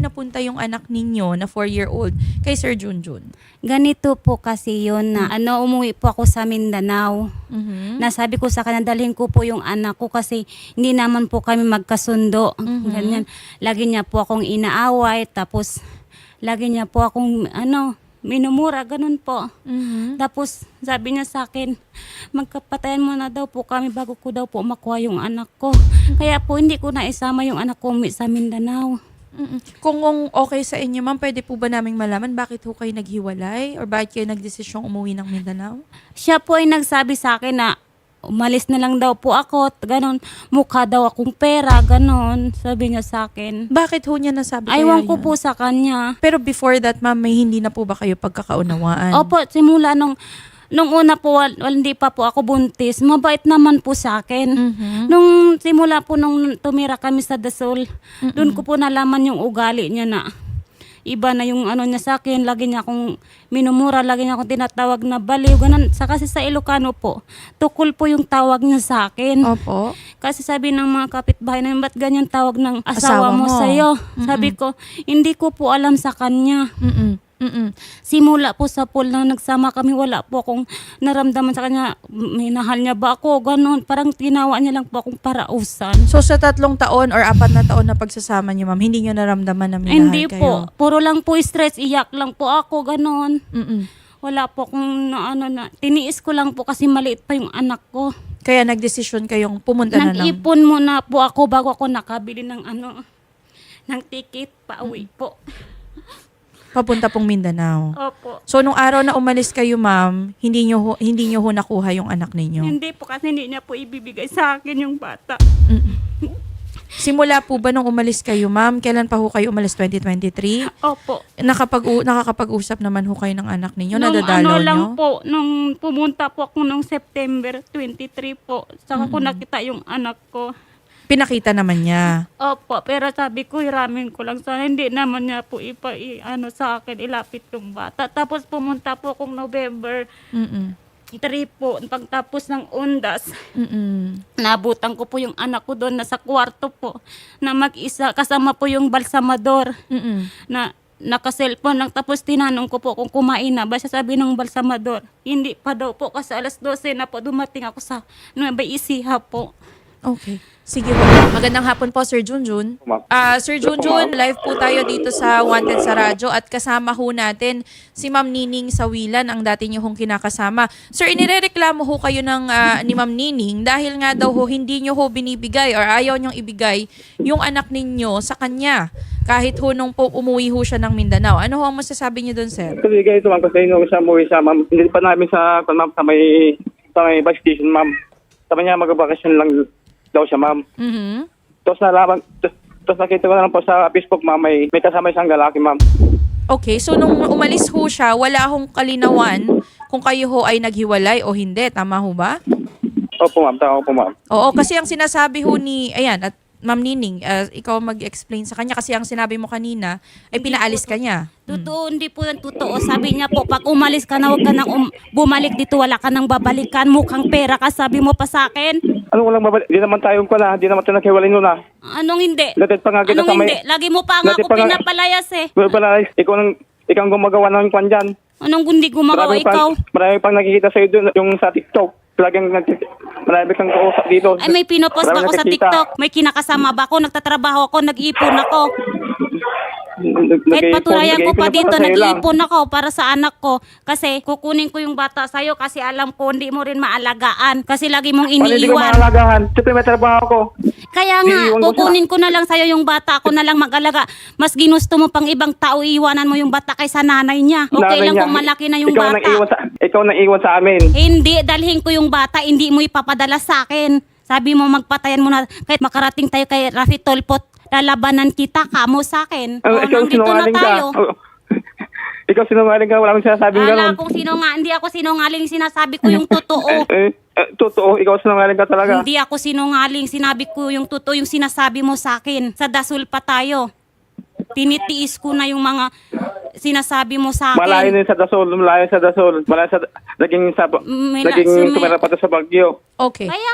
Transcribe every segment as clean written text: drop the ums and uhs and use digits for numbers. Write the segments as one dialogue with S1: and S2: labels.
S1: napunta yung anak ninyo na 4-year-old kay Sir Junjun?
S2: Ganito po kasi yun na umuwi po ako sa Mindanao.
S1: Mhm.
S2: Nasabi ko sa kanya, dalhin ko po yung anak ko kasi hindi naman po kami magkasundo. Ganyan. Lagi niya po akong inaaway, tapos lagi niya po akong minumura, ganun po.
S1: Mhm.
S2: Tapos sabi niya sa akin, magkapatayan mo na daw po kami bago ko daw po makuha yung anak ko. Kaya po hindi ko na isama yung anak ko sa Mindanao.
S1: Kung okay sa inyo, ma'am, pwede po ba naming malaman bakit ho kayo naghiwalay or bakit kayo nagdesisyong umuwi ng Mindanao?
S2: Siya po ay nagsabi sa akin na umalis na lang daw po ako, ganon, mukha daw akong pera, ganon, sabi niya sa akin.
S1: Bakit ho niya nasabi
S2: Aywan
S1: kaya
S2: ko
S1: yun?
S2: po sa kanya.
S1: Pero before that, ma'am, may hindi na po ba kayo pagkakaunawaan?
S2: Opo, simula nung una po, hindi pa po ako buntis, mabait naman po sa akin.
S1: Mhm.
S2: Nung simula po nung tumira kami sa Dasol, doon ko po nalaman yung ugali niya na iba na yung niya sa akin. Lagi niya akong minumura, lagi niya akong tinatawag na baliw, ganun. Kasi sa Ilocano po, tukol po yung tawag niya sa akin.
S1: Opo.
S2: Kasi sabi ng mga kapitbahay na, ba't ganyan tawag ng
S1: Asawa
S2: asawa mo
S1: mo?
S2: sa'yo? Sabi ko, hindi ko po alam sa kanya. Simula po sa pool na nagsama kami, wala po akong naramdaman sa kanya. Minahal niya ba ako? Ganon. Parang ginawa niya lang po akong parausan.
S1: So sa 3 taon or 4 na taon na pagsasama niyo, ma'am, hindi niyo naramdaman na minahal
S2: Hindi
S1: kayo?
S2: po. Puro lang po stress. Iyak lang po ako. Ganon.
S1: Mm-mm.
S2: Wala po akong tiniis ko lang po kasi maliit pa yung anak ko.
S1: Kaya nagdesisyon kayong pumunta na ng...
S2: Nag-ipon muna po ako bago ako nakabili ng ng ticket pa uwi po.
S1: Papunta pong Mindanao.
S2: Opo.
S1: So nung araw na umalis kayo, ma'am, hindi niyo ho nakuha yung anak ninyo?
S2: Hindi po kasi hindi niya po ibibigay sa akin yung bata.
S1: Simula po ba nung umalis kayo, ma'am? Kailan pa ho kayo umalis? 2023?
S2: Opo.
S1: Nakakapag-usap naman ho kayo ng anak ninyo? Nadadalaw
S2: lang
S1: nyo?
S2: po, nung pumunta po ako nung September 23 po, saka ko nakita yung anak ko.
S1: Pinakita naman niya.
S2: Opo, pero sabi ko, hiramin ko lang sana. Hindi naman niya po sa akin, ilapit yung bata. Tapos pumunta po akong November
S1: Mm-mm.
S2: 3 po, pagtapos ng undas.
S1: Mm-mm.
S2: Nabutan ko po yung anak ko doon, nasa kwarto po, na mag-isa, kasama po yung balsamador,
S1: Mm-mm.
S2: na naka-cellphone lang. Tapos tinanong ko po kung kumain na ba, siya sabi ng balsamador. Hindi pa daw po, kasi alas 12 na po dumating ako sa Nueva Ecija po.
S1: Okay. Sige po. Magandang hapon po, Sir Junjun.
S3: Ma'am.
S1: Sir Junjun, live po tayo dito sa Wanted sa Radyo at kasama ho natin si Ma'am Nining Sawilan, ang dati niyo hong kinakasama. Sir, inirereklamo ho kayo ni Ma'am Nining dahil nga daw ho hindi niyo ho binibigay or ayaw niyong ibigay yung anak ninyo sa kanya kahit ho nung po umuwi ho siya ng Mindanao. Ano ho ang masasabi niyo doon, sir?
S3: Kasi ganito ma'am, kasi nung siya umuwi siya ma'am, hindi pa namin sa may bus station ma'am. Sabi niya mag-vacation lang daw siya ma'am.
S1: Mhm.
S3: Tapos nakita ko na lang po sa Facebook ma'am, may kasama isang lalaki ma'am.
S1: Okay, so nung umalis ho siya, wala hong kalinawan kung kayo ho ay naghiwalay o hindi. Tama ho ba?
S3: Opo ma'am, tama po ma'am.
S1: Oo, kasi ang sinasabi ho at Ma'am Nining, ikaw mag-explain sa kanya kasi ang sinabi mo kanina ay pinaalis ka niya.
S2: Totoo, hindi po yan totoo. Sabi niya po, pag umalis ka na, huwag ka nang bumalik dito, wala ka nang babalikan, mukhang pera ka, sabi mo pa sa akin.
S3: Ano walang babalik? Di naman tayo ko na, di naman tayo naghiwalay nun na.
S2: Anong hindi?
S3: Latid pa nga kita
S2: Anong
S3: sa may...
S2: hindi? Lagi mo pa nga
S3: Latid
S2: ako
S3: pa nga-
S2: pinapalayas eh.
S3: Well, pala, ikaw ang gumagawa ng kwan dyan.
S2: Anong hindi gumagawa ikaw?
S3: Marami pang nakikita sa'yo doon, yung sa TikTok. Marami kang kausap dito.
S2: Ay, may pinopost
S3: Marami
S2: ako sa
S3: nakikita.
S2: TikTok. May kinakasama ba ako? Nagtatrabaho ako, nag-iipon ako. Kahit patulayan ko pa dito, nag-iipon ako para sa anak ko. Kasi kukunin ko yung bata sa'yo kasi alam ko hindi mo rin maalagaan. Kasi lagi mong
S3: Hindi ko
S2: iniiwan.
S3: mahalagahan. Siyempre may trabaho ko.
S2: Kaya nga,
S3: Iniiwan ko
S2: kukunin ko na lang sa'yo yung bata. Ako na lang mag-alaga. Mas ginusto mo pang ibang tao, iiwanan mo yung bata kaysa nanay niya. Okay
S3: Nanay
S2: lang
S3: niya.
S2: kung malaki na yung
S3: ikaw
S2: bata.
S3: Ikaw nang iwan sa amin.
S2: Hindi, dalhin ko yung bata, hindi mo ipapadala sa akin. Sabi mo, magpatayan mo na, kahit makarating tayo kay Rafi Tolpot, lalabanan kita, kamo sa akin.
S3: Ikaw
S2: Nandito na
S3: sinungaling ka.
S2: tayo.
S3: Ikaw sinungaling ka. Wala akong sinasabing
S2: Ala,
S3: gano'n.
S2: kung hindi ako sinungaling, sinasabi ko yung totoo.
S3: Totoo, ikaw sinungaling ka talaga.
S2: Hindi ako sinungaling, sinabi ko yung totoo, yung sinasabi mo sa akin. Sa Dasol pa tayo. Tinitiis ko na yung mga sinasabi mo sa
S3: Malayo
S2: akin.
S3: na yun sa Dasol. Malayo sa... Naging
S2: Sumi-
S3: tumira pa to sa Baguio.
S1: Okay.
S2: Kaya nga,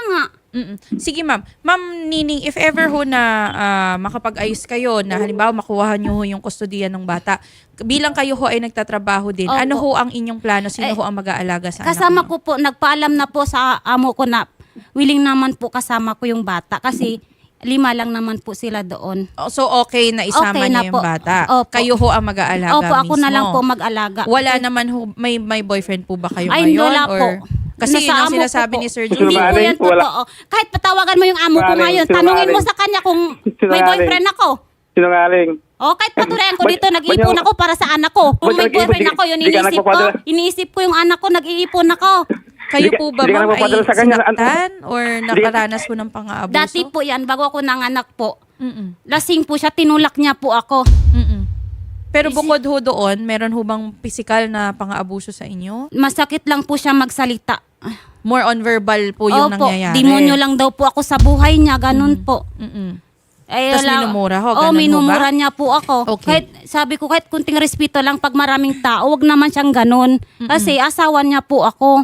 S1: Sige ma'am. Ma'am Nining, if ever ho na makapag-ayos kayo na halimbawa makuha nyo ho yung kustodiya ng bata, bilang kayo ho ay nagtatrabaho din,
S2: Opo.
S1: ano ho ang inyong plano? Sino ho ang mag-aalaga sa
S2: Kasama
S1: anak nyo?
S2: ko po, nagpaalam na po sa amo ko na willing naman po kasama ko yung bata kasi 5 lang naman po sila doon.
S1: So okay na isama
S2: Okay
S1: niyo
S2: na
S1: yung
S2: po.
S1: bata.
S2: Opo.
S1: Kayo ho ang mag-aalaga
S2: Opo, ako
S1: mismo.
S2: na lang po mag-alaga.
S1: Wala naman ho, may boyfriend po ba kayo
S2: Ay,
S1: ngayon?
S2: wala
S1: or,
S2: po.
S1: Kasi yun
S2: Nasa
S1: ang
S2: amo ko
S1: sinasabi
S2: po.
S1: ni Sir
S3: Hindi
S2: Hindi
S1: Jun.
S2: po
S3: Sinungaling,
S2: yan
S3: wala.
S2: totoo. Kahit patawagan mo yung amo ko
S3: Sinungaling,
S2: ngayon,
S3: sinungaling.
S2: tanungin mo sa kanya kung may
S3: Sinungaling.
S2: boyfriend ako.
S3: Sinungaling.
S2: O, kahit paturayan ko
S3: Ba't-
S2: dito, nag-iipon
S3: ba't-
S2: ako para sa anak ko. Kung may
S3: ba't nag-iipon?
S2: boyfriend ako, yun
S3: Di ka
S2: iniisip ko.
S3: nagpapadala?
S2: Iniisip ko yung anak ko, nag-iipon ako.
S1: Kayo
S3: Hindi ka-
S1: po ba
S3: hindi ka
S1: ma'am ay
S3: nagpapadala sa kanya.
S1: sinaktan or nakaranas po ng pang-aabuso?
S2: Dati po yan, bago ako nanganak po.
S1: Mm-mm.
S2: Lasing po siya, tinulak niya po ako.
S1: Mm-mm. Pero bukod ho doon, meron ho bang physical na pang-aabuso sa inyo?
S2: Masakit lang po siya magsalita.
S1: More on verbal po yung
S2: Opo,
S1: nangyayari.
S2: demonyo lang daw po ako sa buhay niya, ganun po.
S1: Mm-mm.
S2: Ay,
S1: Tas
S2: wala-
S1: minumura ho,
S2: Oo,
S1: ganun ho
S2: minumura
S1: ba?
S2: niya po ako.
S1: Okay.
S2: Kahit, sabi ko, kahit kunting respeto lang pag maraming tao, wag naman siyang ganun. Kasi asawa niya po ako.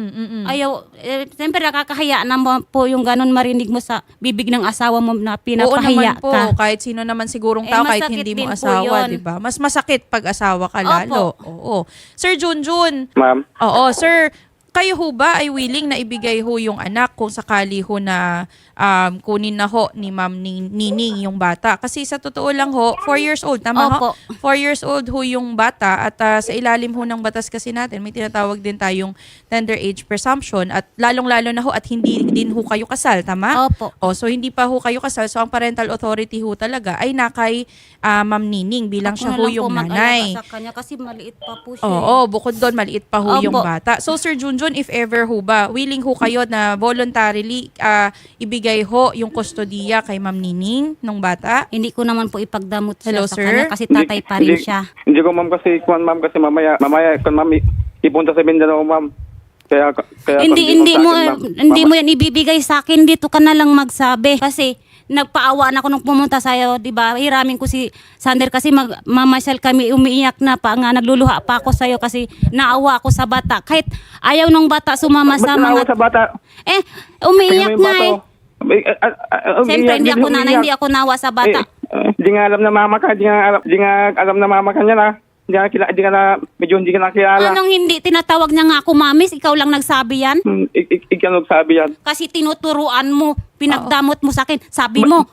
S2: Ayaw, siyempre nakakahiya naman po yung ganun marinig mo sa bibig ng asawa mo na
S1: Oo
S2: pinapahiya
S1: naman po,
S2: ka.
S1: kahit sino naman sigurong
S2: Eh,
S1: tao, kahit
S2: masakit
S1: hindi mo
S2: din po
S1: asawa,
S2: yun.
S1: di ba? Mas masakit pag asawa ka lalo. Oo. Sir Junjun,
S3: Ma'am.
S1: oo, sir, kayo ho ba ay willing na ibigay ho yung anak kung sakali ho na kunin na ho ni Ma'am Nining yung bata? Kasi sa totoo lang ho, 4 years old, tama ho?
S2: Opo.
S1: 4 years old ho yung bata at sa ilalim ho ng batas kasi natin, may tinatawag din tayong tender age presumption at lalong-lalo na ho at hindi din ho kayo kasal, tama?
S2: Opo.
S1: O, so hindi pa ho kayo kasal. So ang parental authority ho talaga ay nakay Ma'am Nining bilang
S2: Ako
S1: siya
S2: na
S1: ho
S2: lang
S1: yung
S2: po mag-alaga
S1: nanay.
S2: sa kanya kasi maliit pa po siya.
S1: Oo, bukod doon maliit pa ho
S2: Opo.
S1: yung bata. So Sir Junjun, if ever ho ba, willing ho kayo na voluntarily ibigay ho yung kustodiya kay Ma'am Nining nung bata?
S2: Hindi ko naman po ipagdamot siya
S1: Hello,
S2: sa
S1: sir?
S2: kanya kasi tatay pa rin
S3: Hindi-
S2: siya.
S3: Hindi ko ma'am kasi, ma'am kasi mamaya kung ma'am ipunta sa Mindanao ma'am. Kaya
S2: Hindi
S3: kung
S2: mo
S3: sa akin, ma'am.
S2: hindi mo yan ibibigay sa akin, dito ka na lang magsabi kasi nagpaawa na ako nung pumunta sa'yo, di ba? Hiramin ko si Sander kasi mamasyal kami, umiiyak na pa nga, nagluluha pa ako sa'yo kasi naawa ako sa bata. Kahit ayaw ng bata sumama
S3: Ba't
S2: sa
S3: naawa
S2: mga...
S3: sa bata?
S2: Umiiyak
S3: Tingnan mo
S2: nga
S3: yung
S2: eh.
S3: bata, oh.
S2: Siyempre, hindi ako nanay, hindi ako nawa sa bata.
S3: Hindi nga alam na mama ka, hindi nga alam na mama ka niya na. Hindi ka na, medyo hindi ka na kilala.
S2: Anong hindi? Tinatawag niya nga ako, mamis, ikaw lang nagsabi yan?
S3: Ikaw nagsabi yan.
S2: Kasi tinuturuan mo, pinagdamot mo sa akin. Sabi mo,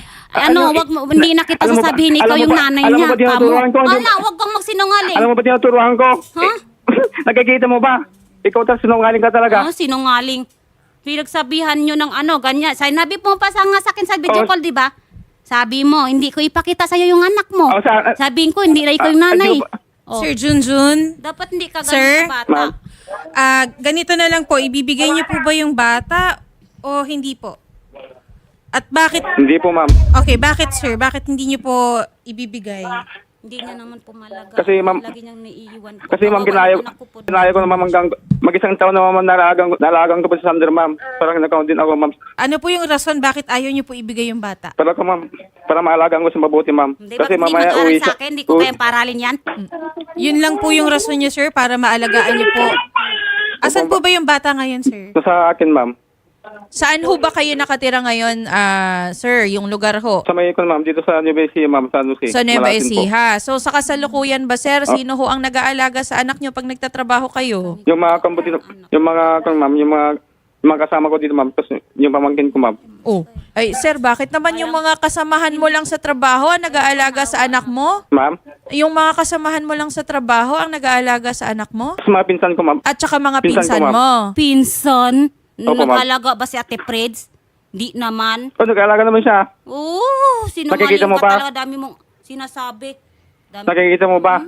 S2: wag mo, hindi na kita
S3: alam mo ba-
S2: sasabihin ikaw
S3: alam mo
S2: yung
S3: ba-
S2: nanay
S3: alam mo
S2: niya.
S3: ba tinuturuan ko?
S2: Ala, wag kang magsinungaling.
S3: Alam mo ba tinuturuan ko?
S2: Ha?
S3: Nakikita mo ba? Ikaw talaga sinungaling ka talaga.
S2: Ah, sinungaling. Pinagsabihan nyo ng ganyan. Sinabi mo pa sa akin sa video
S3: Oh.
S2: call, di ba? Sabi mo, hindi ko ipakita sa'yo yung anak mo.
S3: Oh,
S2: Sabihin ko, hindi na ikaw yung nanay.
S3: di ba-
S2: Oh.
S4: Sir Junjun,
S2: Dapat hindi ka
S4: Sir?
S2: ganun sa bata.
S3: Ma'am.
S4: ganito na lang po, ibibigay niyo po ba yung bata o hindi po? At bakit,
S3: Hindi po ma'am.
S4: okay, bakit sir? Bakit hindi niyo po ibibigay?
S2: Hindi niya naman pumalaga.
S3: Kasi, ma'am-
S2: Lagi niyang naiiwan ko.
S3: Kasi ma'am,
S2: Kawawa yung anak ko po.
S3: ginaya ko naman hanggang mag-isang taon na ma'am nalagang ko pa sa Sander ma'am. Parang nag-count din ako ma'am.
S4: Ano po yung rason bakit ayaw niyo po ibigay yung bata?
S3: Para ko ma'am, para maalagaan ko sa mabuti ma'am.
S2: Hindi ba, hindi
S3: mamaya
S2: mag-aaral
S3: uwi
S2: sa akin, hindi ko kayang paralin yan.
S4: Yun lang po yung rason niyo sir para maalagaan niyo po. Asan po ba yung bata ngayon sir?
S3: Sa akin ma'am.
S1: Saan ho ba kayo nakatira ngayon, sir, yung lugar ho?
S3: Sa may ma'am, dito sa Nueva Ecija ma'am, sa Nusi.
S1: Sa Nueva
S3: Malasin po.
S1: Ecija. So sa kasalukuyan ba, sir, sino ho ang nag-aalaga sa anak nyo pag nagtatrabaho kayo?
S3: Yung mga kambuti, yung mga kasama ko dito ma'am, tapos yung pamangkin ko ma'am.
S1: Oh. Ay, sir, bakit naman yung mga kasamahan mo lang sa trabaho ang nag-aalaga sa anak mo?
S3: Ma'am,
S1: Yung mga kasamahan mo lang sa trabaho ang nag-aalaga sa anak mo?
S3: sa mga pinsan ko ma'am.
S1: At saka mga
S3: Pinsan ko,
S1: pinsan
S3: ma'am.
S1: mo?
S2: Pinson,
S3: Opo, ma'am.
S2: nag-alaga ba si Ate Preds? Di naman.
S3: Oh, nag-aalaga naman siya.
S2: Oo, sinungaling
S3: Nakikita mo
S2: ka
S3: ba?
S2: talaga. Dami mong sinasabi. Dami.
S3: Nakikita mo ba?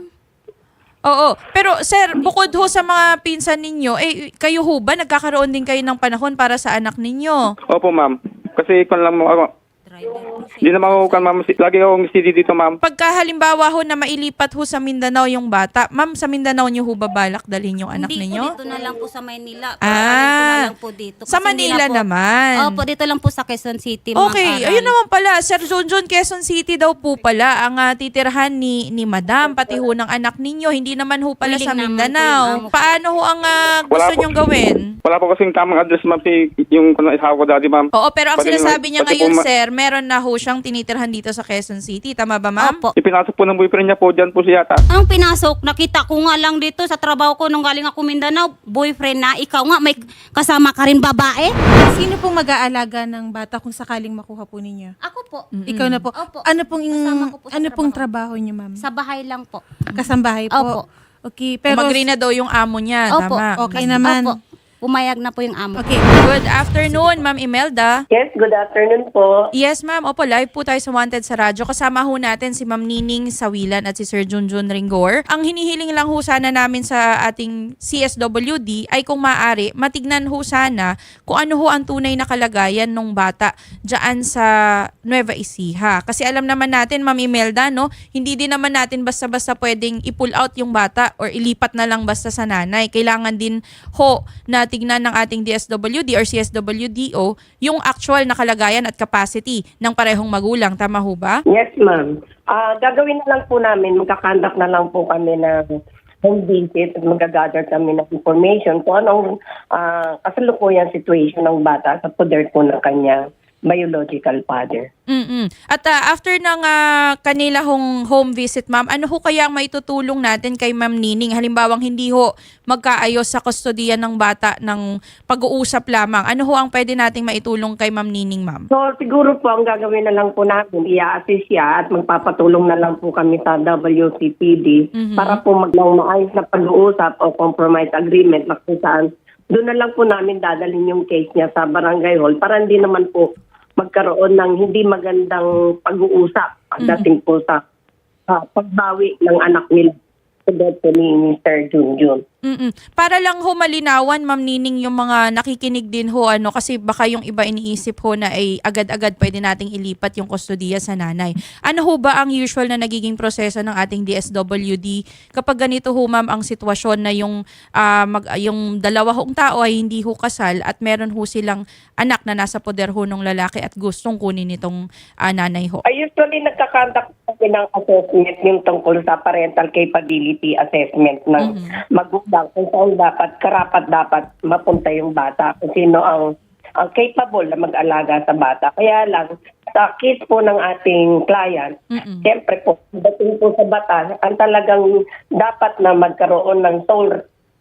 S1: Oo. Pero sir, bukod ho sa mga pinsan ninyo, kayo ho ba nagkakaroon din kayo ng panahon para sa anak ninyo?
S3: Opo ma'am. Kasi ikon lang mo ako.
S2: Driver.
S3: Hindi naman ako kan ma'am. Lagi akong steady dito ma'am.
S1: Pagka halimbawa ho na mailipat ho sa Mindanao yung bata, ma'am, sa Mindanao niyo ho ba balak dalhin yung anak
S2: Hindi
S1: ninyo?
S2: po, dito na lang po sa Maynila.
S1: Ah.
S2: Paralin ko na lang po dito.
S1: Sa
S2: Kasi hindi
S1: Manila
S2: na po,
S1: naman.
S2: Opo, dito lang po sa Quezon City. Ma'am
S1: Okay,
S2: Aral.
S1: ayun naman pala. Sir Junjun, Quezon City daw po pala ang titirhan ni Madam, pati ho ng anak ninyo. Hindi naman ho pala
S2: Willing
S1: sa
S2: naman po yung
S1: Mindanao.
S2: amo ko.
S1: Paano ho ang gusto
S3: Wala po.
S1: nyong gawin?
S3: Wala po kasing tamang address ma'am yung isawa ko dati ma'am.
S1: Oo, pero ang
S3: Pati-
S1: sinasabi niya
S3: pati
S1: ngayon,
S3: po
S1: sir, meron na ho siyang tinitirhan dito sa Quezon City. Tama ba, ma'am?
S2: Opo.
S3: Ipinasok po ng boyfriend niya po, dyan po siya yata.
S2: Ang pinasok, nakita ko nga lang dito sa trabaho ko nung galing ako Mindanao, boyfriend na, ikaw nga, may kasama ka rin babae?
S4: Sino pong mag-aalaga ng bata kung sakaling makuha po ninyo?
S2: Ako po.
S4: Ikaw na po.
S2: Opo.
S4: Ano pong
S2: Kasama ko po sa
S4: ano pong
S2: trabaho.
S4: trabaho niyo, ma'am?
S2: Sa bahay lang po.
S4: Kasambahay
S2: Opo.
S4: po. Okay, pero
S1: Umagri na daw yung amo niya.
S2: Opo.
S1: Tama.
S4: Okay naman.
S2: Opo. Pumayag na po yung amo.
S4: Okay.
S1: Good afternoon, Ma'am Imelda.
S5: Yes, good afternoon po.
S1: Yes, ma'am. Opo, live po tayo sa Wanted sa radyo. Kasama ho natin si Ma'am Nining Sawilan at si Sir Junjun Ringor. Ang hinihiling lang ho sana namin sa ating CSWD ay kung maaari, matignan ho sana kung ano ho ang tunay na kalagayan ng bata dyan sa Nueva Ecija. Kasi alam naman natin, Ma'am Imelda, no, hindi din naman natin basta-basta pwedeng i-pull out yung bata or ilipat na lang basta sa nanay. Kailangan din ho na tignan ng ating DSWD or CSWDO yung actual na kalagayan at capacity ng parehong magulang. Tama ho ba?
S5: Yes, ma'am. Gagawin na lang po namin, magkakandak na lang po kami ng home visit at magagather kami ng information kung anong kasalukuyan situation ng bata sa poder po ng kanya biological father.
S1: At after ng kanila home visit, ma'am, ano ho kaya ang maitutulong natin kay Ma'am Nining? Halimbawang hindi ho magkaayos sa kustodiya ng bata ng pag-uusap lamang. Ano ho ang pwede nating maitulong kay Ma'am Nining, ma'am?
S5: So siguro po ang gagawin na lang po namin, i-assist siya at magpapatulong na lang po kami sa WCPD para po maayos na pag-uusap o compromise agreement na kung saan doon na lang po namin dadalhin yung case niya sa barangay hall para hindi naman po magkaroon ng hindi magandang pag-uusap pagdating po sa pagbawi ng anak nila sa death ni Mr. Junjun.
S1: Para lang ho malinawan, Ma'am Nining, yung mga nakikinig din ho, kasi baka yung iba iniisip ho na ay agad-agad pwede nating ilipat yung kustodiya sa nanay. Ano ho ba ang usual na nagiging proseso ng ating DSWD kapag ganito ho, ma'am, ang sitwasyon na yung dalawa hong tao ay hindi ho kasal at meron ho silang anak na nasa poder ho ng lalaki at gustong kunin itong nanay ho?
S5: Usually nagkakandak kami ng assessment yung tungkol sa parental capability assessment ng magulang kung saan karapat dapat mapunta yung bata, kung sino ang capable na mag-alaga sa bata. Kaya lang, sa case po ng ating client, siyempre po, dating po sa batas, ang talagang dapat na magkaroon ng sole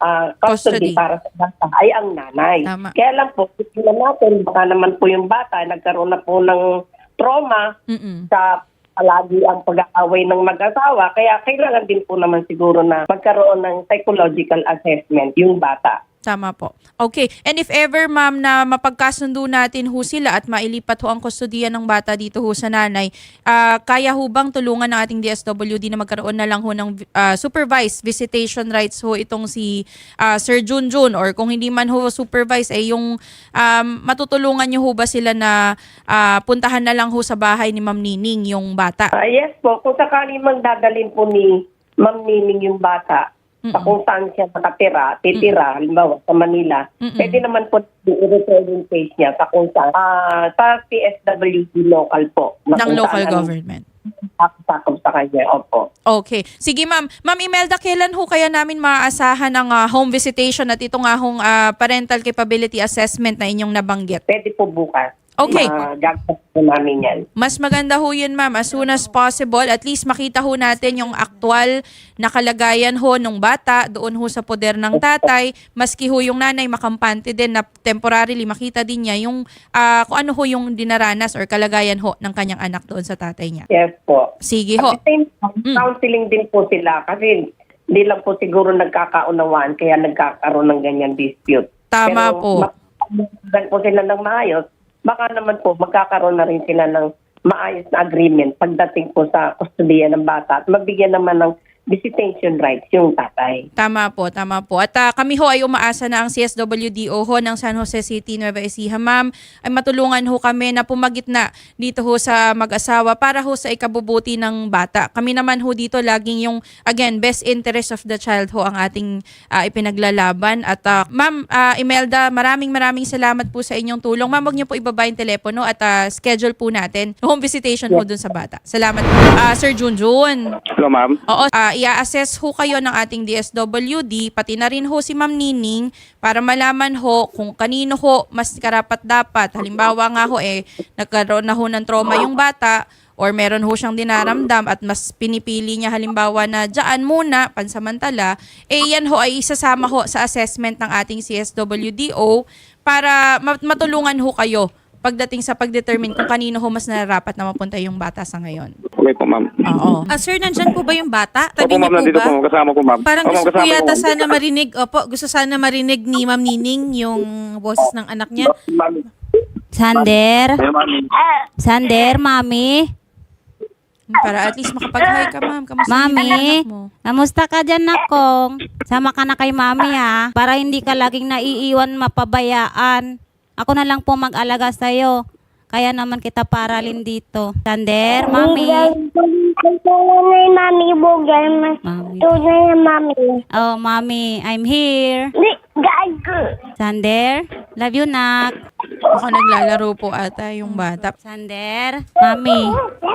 S5: custody para sa bata ay ang nanay.
S1: Tama.
S5: Kaya lang po, tignan natin, baka naman po yung bata, nagkaroon na po ng trauma sa palagi ang pag-aaway ng mag-asawa. Kaya kailangan din po naman siguro na magkaroon ng psychological assessment yung bata.
S1: Tama po. Okay. And if ever, ma'am, na mapagkasundo natin ho sila at mailipat ho ang kustodiya ng bata dito ho sa nanay, kaya ho bang tulungan ng ating DSWD na magkaroon na lang ho ng supervised visitation rights ho itong si Sir Junjun, or kung hindi man ho supervised, ay yung matutulungan nyo ho ba sila na puntahan na lang ho sa bahay ni Ma'am Nining yung bata?
S5: Yes po, kung sakaling magdadalhin po ni Ma'am Nining yung bata sa kung saan siya nakatira, titira, halimbawa sa Manila, pwede naman po i-refer yung case niya sa kung saan, sa PSWD local po.
S1: Ng local government.
S5: Sakop sa kanya, opo.
S1: Okay. Sige, ma'am. Ma'am Imelda, kailan ho kaya namin maaasahan ng home visitation at ito nga hong parental capability assessment na inyong nabanggit?
S5: Pwede po bukas.
S1: Okay.
S5: Gagawin po namin yan.
S1: Mas maganda ho yun, ma'am, as soon as possible. At least makita ho natin yung aktual na kalagayan ho ng bata doon ho sa poder ng tatay. Maski ho yung nanay makampante din na temporarily makita din niya yung kung ano ho yung dinaranas or kalagayan ho ng kanyang anak doon sa tatay niya.
S5: Yes po.
S1: Sige ho.
S5: At the same time, counseling din po sila kasi hindi lang po siguro nagkakaunawaan kaya nagkakaroon ng ganyan dispute.
S1: Tama
S5: Pero,
S1: po.
S5: po sila ng maayos, baka naman po magkakaroon na rin sila ng maayos na agreement pagdating po sa kustodiya ng bata at mabigyan naman ng visitation rights yung tatay.
S1: Tama po, tama po. At kami ho ay umaasa na ang CSWDO ho ng San Jose City, Nueva Ecija, ma'am, ay matulungan ho kami na pumagitna dito ho sa mag-asawa para ho sa ikabubuti ng bata. Kami naman ho dito laging yung, again, best interest of the child ho ang ating ipinaglalaban. At ma'am Imelda, maraming salamat po sa inyong tulong. Ma'am, wag niyo po ibaba yung telepono at schedule po natin home visitation ho dun sa bata. Salamat po. Sir Junjun.
S3: Hello, ma'am.
S1: Oo, i-assess ho kayo ng ating DSWD, pati na rin ho si Ma'am Nining para malaman ho kung kanino ho mas karapat-dapat. Halimbawa nga ho nagkaroon na ho ng trauma yung bata or meron ho siyang dinaramdam at mas pinipili niya halimbawa na dyan muna, pansamantala, yan ho ay isasama ho sa assessment ng ating CSWDO para matulungan ho kayo pagdating sa pagdetermine kung kanino ho mas nararapat na mapunta yung bata sa ngayon.
S3: Okay po, ma'am.
S1: Oo.
S4: Sir, nandyan po ba yung bata? Tabi
S3: Opo,
S4: niyo
S3: ma'am,
S4: po
S3: nandito
S4: ba?
S3: po. Kasama ko, ma'am.
S4: Parang
S3: Opo,
S4: gusto ko
S3: kasama
S4: yata
S3: ko.
S4: sana marinig, gusto sana marinig ni Ma'am Nining yung boses ng anak niya.
S3: Ma'am.
S2: Sander?
S3: Hello, ma'am.
S2: Sander, mami?
S1: Para at least makapag-hi ka, ma'am. Kamusta
S2: Mami,
S1: yung anak mo?
S2: kamusta ka dyan, nakong? Sama ka na kay mami, ha? Para hindi ka laging naiiwan, mapabayaan. Ako na lang po mag-alaga sa'yo. Kaya naman kita paralin dito. Sander, mami.
S6: Tunay, mami, bugay.
S2: Mami.
S6: Tunay, mami.
S2: Oh, mami, I'm here.
S6: Di, gago.
S2: Sander, love you, nak.
S1: Baka naglalaro po ata yung bata.
S2: Sander, mami.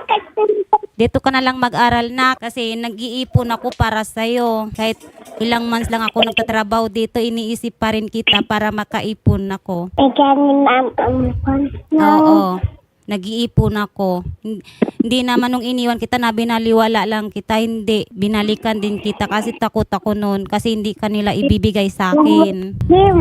S2: Dito ka na lang mag-aral na kasi nag-iipon ako para sa'yo. Kahit ilang months lang ako nagtatrabaho dito, iniisip pa rin kita para makaipon ako.
S6: Ikaw ni ma'am.
S2: Oo, nag-iipon ako. Hindi naman nung iniwan kita na binaliwala lang kita, hindi. Binalikan din kita kasi takot ako noon kasi hindi kanila ibibigay sa akin.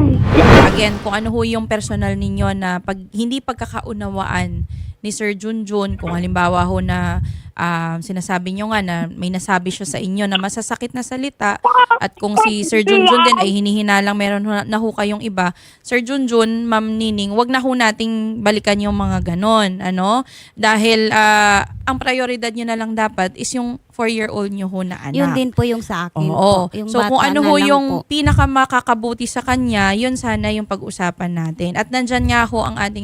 S1: Again, kung ano ho yung personal ninyo na hindi pagkakaunawaan ni Sir Junjun, kung halimbawa ho na sinasabi nyo nga na may nasabi siya sa inyo na masasakit na salita at kung si Sir Junjun din ay hinihinalang meron na ho kayong iba, Sir Junjun, Ma'am Nining, wag na ho nating balikan yung mga ganon, ano? Dahil ang prioridad nyo na lang dapat is yung 4-year-old nyo ho na anak.
S2: Yun din po yung sa akin.
S1: Oo.
S2: Po. Yung
S1: So
S2: bata
S1: kung ano
S2: na
S1: ho
S2: lang
S1: yung
S2: po.
S1: pinakamakakabuti sa kanya, yun sana yung pag-usapan natin. At nandyan nga ho ang ating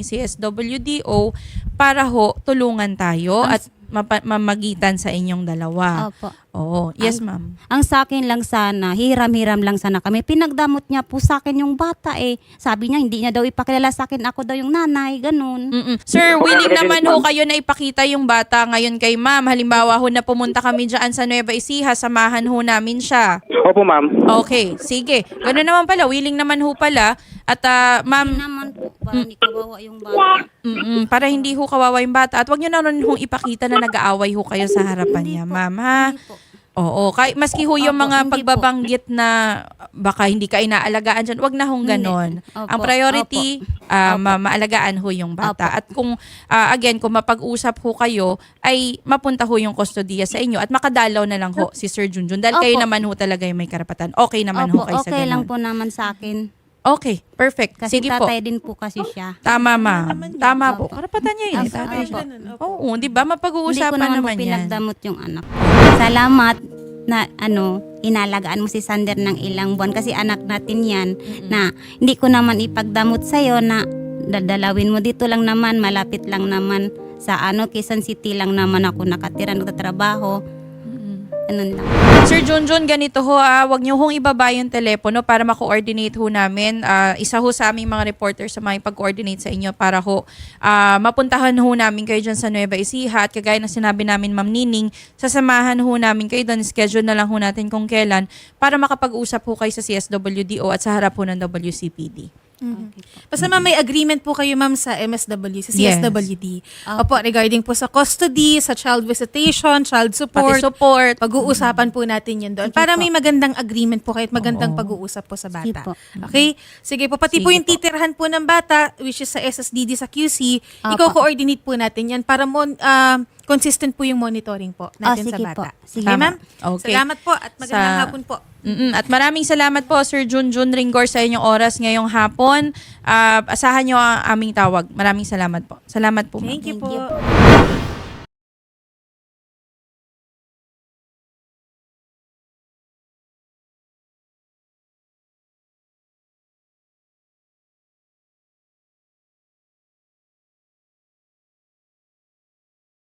S1: CSWDO para ho tulungan tayo at mamagitan sa inyong dalawa.
S2: Opo.
S1: Oo. Yes, ma'am.
S2: Ang sa akin lang sana, hiram-hiram lang sana kami. Pinagdamot niya po sa akin yung bata eh. Sabi niya, hindi niya daw ipakilala sa akin, ako daw yung nanay, ganun.
S1: Sir, willing naman ho kayo na ipakita yung bata ngayon kay ma'am. Halimbawa ho na pumunta kami dyan sa Nueva Ecija, samahan ho namin siya.
S3: Opo, ma'am.
S1: Okay, sige. Gano'n naman pala, willing naman ho pala. At ma'am,
S2: Hindi naman po, para hindi kawawa yung bata.
S1: para hindi ho kawawa yung bata. At wag nyo na rin hong ipakita na nag-aaway ho kayo sa harapan niya, ma'am, ha?
S2: Hindi po.
S1: Oo. Maski ho yung
S2: Opo,
S1: mga
S2: hindi po.
S1: pagbabanggit na baka hindi ka inaalagaan dyan, wag na hong ganon.
S2: Opo,
S1: Ang priority, maalagaan ho yung bata.
S2: Opo.
S1: At kung, again, kung mapag-usap ho kayo, ay mapunta ho yung kustodiya sa inyo at makadalaw na lang ho si Sir Junjun. Dahil kayo
S2: Opo.
S1: naman ho talaga yung may karapatan. Okay naman ho
S2: Opo,
S1: kayo sa
S2: okay lang
S1: ganon.
S2: po naman sa akin.
S1: Okay, perfect.
S2: Kasi
S1: Sige po.
S2: tatay din po kasi siya.
S1: Tama, ma'am. Tama po.
S2: Opo.
S1: Karapatan niya yun.
S2: Opo.
S1: Tatay siya.
S2: Opo.
S1: Oo, di ba?
S2: Hindi ko
S1: Mapag-uusapan
S2: naman po
S1: naman yan.
S2: pinagdamot yung anak ko. Salamat na inalagaan mo si Sander ng ilang buwan kasi anak natin yan na hindi ko naman ipagdamot sa'yo na dadalawin mo dito lang naman, malapit lang naman sa Quezon City lang naman ako nakatira, nagtatrabaho. Ganun lang.
S1: Sir Junjun, ganito ho, wag niyo hong ibaba yung telepono para ma-coordinate ho namin. Isa ho sa aming mga reporters sa mga pag-coordinate sa inyo para ho mapuntahan ho namin kayo dyan sa Nueva Ecija at kagaya ng sinabi namin, Ma'am Nining, sasamahan ho namin kayo doon, schedule na lang ho natin kung kailan para makapag-usap ho kayo sa CSWDO at sa harap ho ng WCPD.
S4: Basta ma'am, may agreement po kayo ma'am sa MSW, sa
S1: Yes.
S4: CSWD. Opo, regarding po sa custody, sa child visitation, child support.
S1: Pati support.
S4: Pag-uusapan po natin yan doon.
S2: Sige
S4: Para
S2: po.
S4: may magandang agreement po kayo at magandang pag-uusap po sa
S2: Sige
S4: bata.
S2: po.
S4: Okay? Sige po. Pati po
S1: Sige
S4: yung titirhan po ng bata, which is sa SSDD sa QC,
S2: Opo.
S4: i-coordinate po natin yan para consistent po yung monitoring po natin sa
S2: sige
S4: bata.
S2: po. Sige.
S4: Okay, ma'am?
S1: Okay.
S4: Salamat po at magandang
S1: Sa-
S4: hapon po.
S1: At maraming salamat po, Sir Junjun Ringgor, sa inyong oras ngayong hapon. Asahan nyo ang aming tawag. Maraming salamat po. Salamat po, ma'am.
S4: Thank you
S2: Thank you
S4: po.